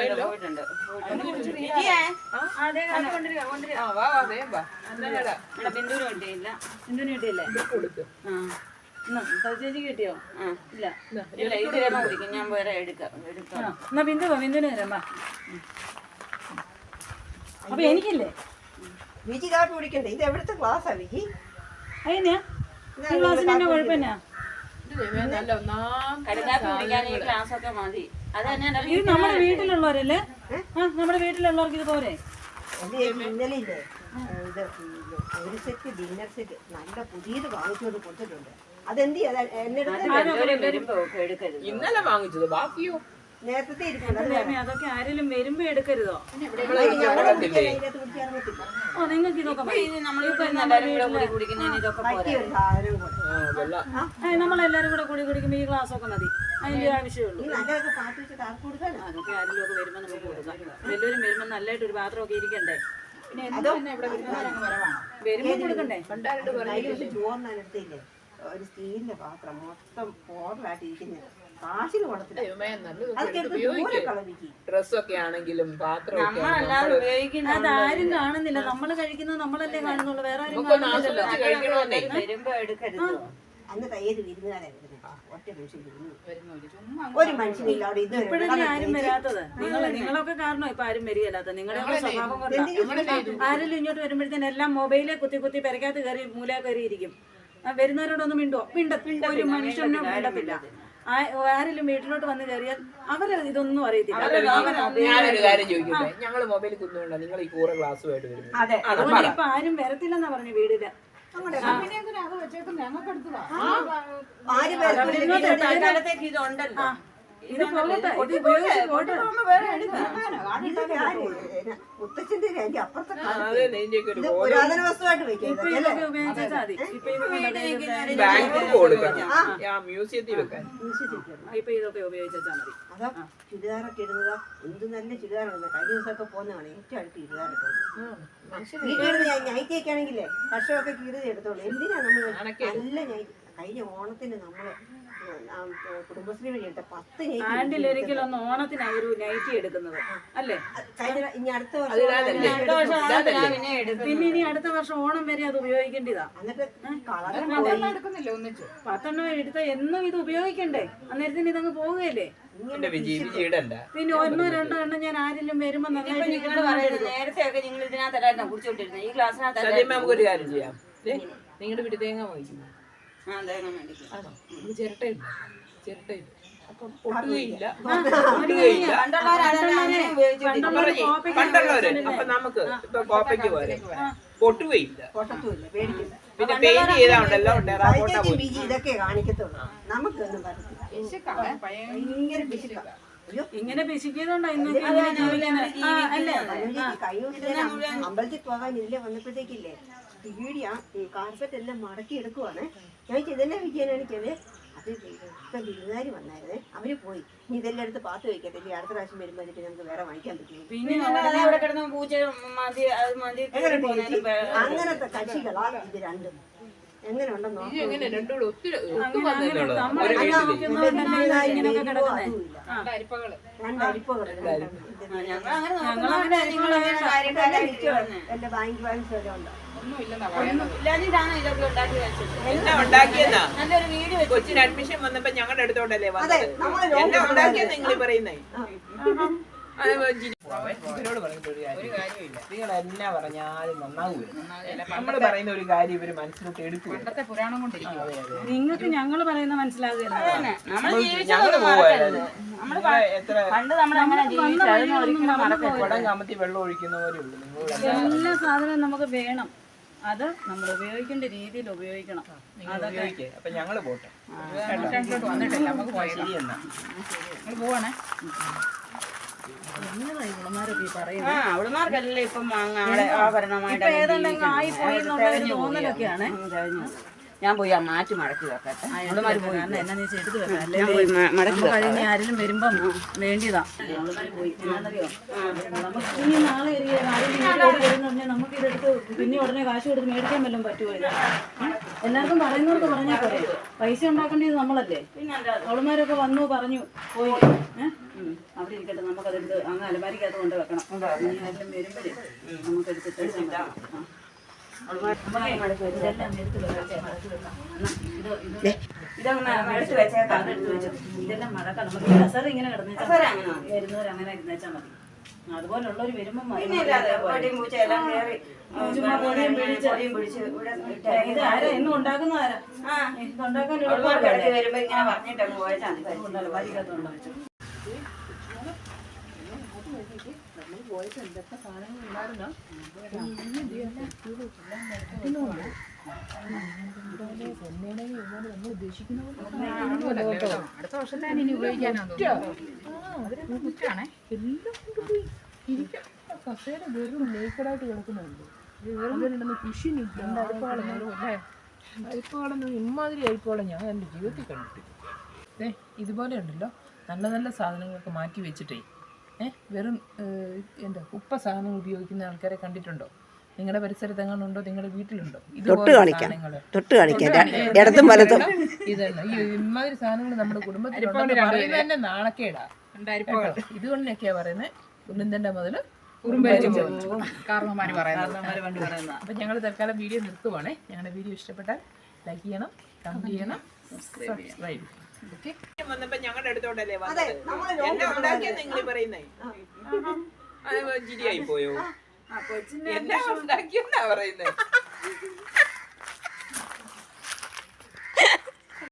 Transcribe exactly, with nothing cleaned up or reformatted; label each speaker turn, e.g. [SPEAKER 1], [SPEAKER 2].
[SPEAKER 1] പോയിട്ടുണ്ട്. ബിന്ദുവിന് കിട്ടിയില്ല. ബിന്ദുവിന് കിട്ടിയില്ലേ? ചേച്ചി കിട്ടിയോ? ഇല്ല ഇല്ല ഇതിലെ കുടിക്കും. ഞാൻ വേറെ എടുക്കാം എടുക്കാം. എന്നാ ബിന്ദു ബിന്ദുവിന് തരാം. അപ്പൊ എനിക്കില്ലേ
[SPEAKER 2] വിജി കാപ്പി കുടിക്കണ്ടേ? ഇത് എവിടുത്തെ ക്ലാസ്സാ വിജി?
[SPEAKER 1] അതിനാ ഈ ക്ലാസ്സിന് തന്നെ കുഴപ്പമില്ല. ഇത് നമ്മുടെ വീട്ടിലുള്ളവരല്ലേ? ആ നമ്മുടെ വീട്ടിലുള്ളവർക്ക് ഇത് പോരെ?
[SPEAKER 2] ഇന്നലെ ഇല്ലേ ഇത് ഒരു സെറ്റ് ഡിന്നർ സെറ്റ് നല്ല പുതിയത് വാങ്ങിച്ചുകൊണ്ട് കൊടുത്തിട്ടുണ്ട്. അതെന്ത്
[SPEAKER 3] ഇന്നലെ വാങ്ങിച്ചത് ബാക്കിയോ
[SPEAKER 2] നേരത്തെ
[SPEAKER 1] അതൊക്കെ ആരെങ്കിലും വരുമ്പോ എടുക്കരുതോ? ഓ നിങ്ങൾക്ക് ഇതൊക്കെ നമ്മളെല്ലാരും കൂടെ കൂടി കുടിക്കുമ്പോ ഈ ഗ്ലാസ് ഒക്കെ മതി. അതിന്റെ ആവശ്യമുള്ളൂ. അതൊക്കെ ആരെങ്കിലും ഒക്കെ വരുമ്പോ നമുക്ക് കൊടുക്കാം. എല്ലാവരും വരുമ്പോ നല്ലതായിട്ട് ഒരു പാത്രമൊക്കെ ഇരിക്കണ്ടേ? പിന്നെ വരുമ്പോ കൊടുക്കണ്ടേ?
[SPEAKER 2] ചോറിനടുത്തില്ലേ ഒരു സ്റ്റീലിന്റെ പാത്രം മൊത്തം പോറലായിട്ടിരിക്കുന്നത് കാശിന്
[SPEAKER 3] ഡ്രസ്സൊക്കെ ആണെങ്കിലും
[SPEAKER 1] അതാരും കാണുന്നില്ല. നമ്മള് കഴിക്കുന്നത് നമ്മളല്ലേ കാണുന്നുള്ളൂ. വേറെ ആരും
[SPEAKER 2] അന്ന് ഏത് വിരുന്നുകാരാ വരുന്നത്? ഒറ്റ മനുഷ്യൻ ഒരു മനുഷ്യനില്ല അവിടെ. ഇത്
[SPEAKER 1] ഇപ്പോഴല്ലേ ആരും വരാത്തത്? നിങ്ങൾ നിങ്ങളൊക്കെ കാരണം ഇപ്പൊ ആരും വരികയല്ലാത്ത നിങ്ങളുടെ സ്വഭാവം കൊണ്ടാണ്. ആരെങ്കിലും ഇങ്ങോട്ട് വരുമ്പോഴത്തേന് എല്ലാം മൊബൈലെ കുത്തി കുത്തി പെരക്കകത്ത് കയറി മൂല കയറി ഇരിക്കും. വരുന്നവരോടൊന്നും മിണ്ടോ? മിണ്ട ഒരു മനുഷ്യനോ മിണ്ടത്തില്ല. ആരെങ്കിലും വീട്ടിലോട്ട് വന്ന് കയറിയാൽ അവര് ഇതൊന്നും അറിയത്തില്ല.
[SPEAKER 3] ഞാനൊരു കാര്യം ചോദിക്കട്ടെ, ഞങ്ങള് മൊബൈൽ കുന്നുകൊണ്ടാ നിങ്ങൾ ഈ കൂറ ഗ്ലാസ്സുമായിട്ട് വരുന്നത്?
[SPEAKER 1] അതുകൊണ്ട് ഇപ്പൊ ആരും വരത്തില്ലെന്നാ പറഞ്ഞു വീടില്. ഇത് പോകട്ടെ, ഇത് ഉപയോഗിച്ച് പോട്ടെ.
[SPEAKER 2] മുത്തച്ഛന്റെ അപ്പുറത്തെ പുരാതന വസ്തുവായിട്ട് വെക്കാം.
[SPEAKER 1] ഇപ്പൊ ഇതൊക്കെ ഉപയോഗിച്ചാൽ മതി. ഇപ്പൊ
[SPEAKER 3] മ്യൂസിയത്തിൽ വെക്കാൻ
[SPEAKER 1] ഇപ്പൊ ഇതൊക്കെ ഉപയോഗിച്ചാൽ മതി.
[SPEAKER 2] അതാ ചുരിദാറൊക്കെ ഇടുന്നത് എന്ത് നല്ല ചുരിദാറാണ്. കഴിഞ്ഞ ദിവസമൊക്കെ പോകുന്നതാണ് ഏറ്റവും അടുത്ത് ചുരിദാറൊക്കെ. വീട്ടിൽ ഞാൻ നൈറ്റിയൊക്കെ ആണെങ്കിലേ കർഷകമൊക്കെ കീറി എടുത്തോളൂ. എന്തിനാ നമ്മൾ നല്ല നൈറ്റ്? കഴിഞ്ഞ ഓണത്തിന് നമ്മള് കുടുംബശ്രീ വഴി എടുത്ത പത്ത്
[SPEAKER 1] ആണ്ടിലൊരിക്കലും ഒന്ന് ഓണത്തിന് ഒരു നൈറ്റി എടുക്കുന്നത് അല്ലേ?
[SPEAKER 2] ഇനി അടുത്ത
[SPEAKER 1] പിന്നെ ഇനി അടുത്ത വർഷം ഓണം വരെ അത് ഉപയോഗിക്കേണ്ടതാ. പത്തെണ്ണം എടുത്ത എന്നും ഇത് ഉപയോഗിക്കണ്ടേ? അന്നേരത്തിന് ഇതങ്ങ് പോവുകയല്ലേ? പിന്നെ ഒന്നോ രണ്ടോ എണ്ണം ഞാൻ ആരെങ്കിലും വരുമ്പോ
[SPEAKER 4] നേരത്തെ ഒക്കെ നിങ്ങൾ ഇതിനകത്തല്ലായിരുന്നു കുടിച്ചോണ്ടിരുന്നത്. ഈ ക്ലാസ്സിനകത്ത്
[SPEAKER 3] നമുക്കൊരു കാര്യം ചെയ്യാം. നിങ്ങളുടെ വീട്ടിൽ തേങ്ങ വാങ്ങിക്കുന്നു. ചിരട്ടയില്ല ചിരട്ടയില്ല അപ്പം പൊട്ടുകയില്ല പൊട്ടുകയില്ല പണ്ടുള്ളവര്. അപ്പൊ നമുക്ക് ഇപ്പൊ കോപ്പയ്ക്ക് പോലെ പൊട്ടുകയില്ല. പിന്നെ പെയിന്റ് ചെയ്താണ്ടല്ലോ
[SPEAKER 2] ഇതൊക്കെ കാണിക്കത്തുള്ളൂ. നമുക്കൊന്നും ഭയങ്കര പിശുക്ക.
[SPEAKER 1] ഇങ്ങനെ പിശിക്കുന്നോണ്ടാ
[SPEAKER 2] അമ്പലത്തിൽ പോകാൻ ഇതിലെ വന്നപ്പോഴത്തേക്കില്ലേ പീടിയ കാർപ്പറ്റ് എല്ലാം മടക്കി എടുക്കുവാണ്. ഞാൻ ഇതെല്ലാം വിജയനാണിക്കത്. അത് ഇപ്പൊ വിരുന്നുകാരി വന്നായിരുന്നേ, അവര് പോയി. ഇനി ഇതെല്ലാം എടുത്ത് പാത്ത് വെക്കട്ടെ. അടുത്ത പ്രാവശ്യം വരുമ്പോ എന്നിട്ട് നമുക്ക് വേറെ വാങ്ങിക്കാൻ പറ്റും. അങ്ങനത്തെ കക്ഷികളാ ഇത് രണ്ടും. എങ്ങനെ ഉണ്ടെന്നോ രണ്ടരിപ്പകള് എന്റെ ബാങ്ക് ബാലൻസ് വരെ ഉണ്ടോ?
[SPEAKER 3] കൊച്ചിന് അഡ്മിഷൻ വന്നപ്പോ ഞങ്ങളുടെ അടുത്തോണ്ടല്ലേ വന്നത്. എന്നെ ഉണ്ടാക്കിയെന്ന് നിങ്ങൾ പറയുന്നേ. ഇവരോട് പറഞ്ഞിട്ട് ഒരു കാര്യമില്ല. നിങ്ങൾ എന്നാ പറഞ്ഞാലും നന്നാവൂല. നമ്മള് പറയുന്ന ഒരു കാര്യം ഇവര് മനസ്സിലോട്ട് എടുക്കും.
[SPEAKER 1] നിങ്ങൾക്ക് ഞങ്ങള് പറയുന്ന മനസ്സിലാകുകയല്ല.
[SPEAKER 3] കുടം കമത്തി വെള്ളം ഒഴിക്കുന്നവരേ ഉള്ളൂ.
[SPEAKER 1] എല്ലാ സാധനവും നമുക്ക് വേണം. അത് നമ്മൾ ഉപയോഗിക്കേണ്ട രീതിയിൽ ഉപയോഗിക്കണം.
[SPEAKER 3] അതൊക്കെ അപ്പൊ ഞങ്ങള് പോട്ടെ. ശരി എന്നാ
[SPEAKER 1] പോവാണേ.
[SPEAKER 4] അവളുമാർക്കല്ലേ ഇപ്പം ആഭരണമായിട്ട്
[SPEAKER 1] തോന്നലൊക്കെയാണ്.
[SPEAKER 4] ഞാൻ പോയി ആ മാറ്റി മടക്കി വെക്കട്ടെ.
[SPEAKER 1] എന്നാ നീ എടുത്ത് വെക്കാം. കഴിഞ്ഞ ആരെങ്കിലും വരുമ്പം വേണ്ടിയതാ. ഇനി നാളെ നമുക്ക് ഇതെടുത്ത് പിന്നെ ഉടനെ കാശ് കൊടുത്ത് മേടിക്കാൻ വല്ലതും പറ്റുമോ? എല്ലാവർക്കും പറയുന്നവർക്ക് പറഞ്ഞാൽ പോരെ. പൈസ ഉണ്ടാക്കേണ്ടത് നമ്മളല്ലേ? അവളുമാരൊക്കെ വന്നു പറഞ്ഞു പോയി. ഏഹ് ഉം. അവിടെ ഇരിക്കട്ടെ, നമുക്കതെടുത്ത് അങ്ങ് അലമാരിക്കകത്ത് കൊണ്ട് വെക്കണം. ഇനി ആരെങ്കിലും വരുമ്പോഴേ നമുക്ക് എടുത്തിട്ട് ഇതെല്ലാം എടുത്ത് വെക്കാം. ഇത് ഇത് ഇതങ്ങനെ എടുത്ത് വെച്ചേക്കാം. അതെടുത്ത് വെച്ചു. ഇതെല്ലാം മഴക്കാം. നമുക്ക് കസർ ഇങ്ങനെ കിടന്നേച്ചാൽ വരുന്നവർ അങ്ങനെ ഇരുന്നേച്ചാൽ മതി. അതുപോലുള്ളവർ വരുമ്പോൾ ഇത് ആരാ ഇന്ന് ഉണ്ടാക്കുന്ന ആരാ ഇത് ഉണ്ടാക്കാൻ
[SPEAKER 4] വരുമ്പോ ഇങ്ങനെ പറഞ്ഞിട്ട് അങ്ങ് പോയാൽ
[SPEAKER 1] അലമാരിക്കകത്തുണ്ടോ വെച്ചു. നമ്മൾ പോയിട്ട് എന്തൊക്കെ സാധനങ്ങൾ ഉണ്ടായിരുന്നോ നമ്മൾ ഉദ്ദേശിക്കുന്ന
[SPEAKER 5] അടുത്ത വർഷം തന്നെ ഇനി ഉപയോഗിക്കാനാണ് കുറ്റാണേ എല്ലാം കൊണ്ടുപോയി ഇരിക്കാം. കസേര വെറും നേക്കടായിട്ട് കിടക്കുന്നുണ്ട്. അതിലുണ്ടെന്ന് കൃഷി നിൽക്കും. അരിപ്പാളം അല്ലേ അരിപ്പാളെന്ന് ഇമാതിരി അരിപ്പാളം ഞാൻ എൻ്റെ ജീവിതത്തിൽ കണ്ടിട്ടില്ല. ഏ ഇതുപോലെ ഉണ്ടല്ലോ നല്ല നല്ല സാധനങ്ങളൊക്കെ മാറ്റി വെച്ചിട്ടേ ഏഹ് വെറും എന്താ ഉപ്പ സാധനം ഉപയോഗിക്കുന്ന ആൾക്കാരെ കണ്ടിട്ടുണ്ടോ? നിങ്ങളുടെ പരിസരത്ത് എങ്ങനെ ഉണ്ടോ? നിങ്ങളുടെ വീട്ടിലുണ്ടോ?
[SPEAKER 2] തൊട്ട് കാണിക്കാം തൊട്ട് കാണിക്കാം ഇടത്തും വലത്തും
[SPEAKER 5] ഇതന്നെ ഈ ഇമാതിരി സാധനങ്ങൾ നമ്മുടെ കുടുംബത്തിലുണ്ട് പറയുന്നത് തന്നെ നാണക്കേടാ. ഇതുകൊണ്ടൊക്കെയാ പറയുന്നത് ഉള്ളിന്തണ്ട മുതൽ
[SPEAKER 4] കാരണവന്മാര് പറയുന്നത്.
[SPEAKER 5] അപ്പം ഞങ്ങൾ തൽക്കാലം വീഡിയോ നിർത്തുവാണേ. ഞങ്ങളുടെ വീഡിയോ ഇഷ്ടപ്പെട്ടാൽ ലൈക്ക് ചെയ്യണം, കമന്റ് ചെയ്യണം, സബ്സ്ക്രൈബ്. ഓക്കെ
[SPEAKER 3] വന്നപ്പോ ഞങ്ങളുടെ അടുത്തോട്ടല്ലേ വന്നത്? എല്ലാം ഉണ്ടാക്കിയാ നിങ്ങൾ പറയുന്നേ ചിരിയായി പോയോ? എല്ലാം ഉണ്ടാക്കിയെന്നാ പറയുന്നേ.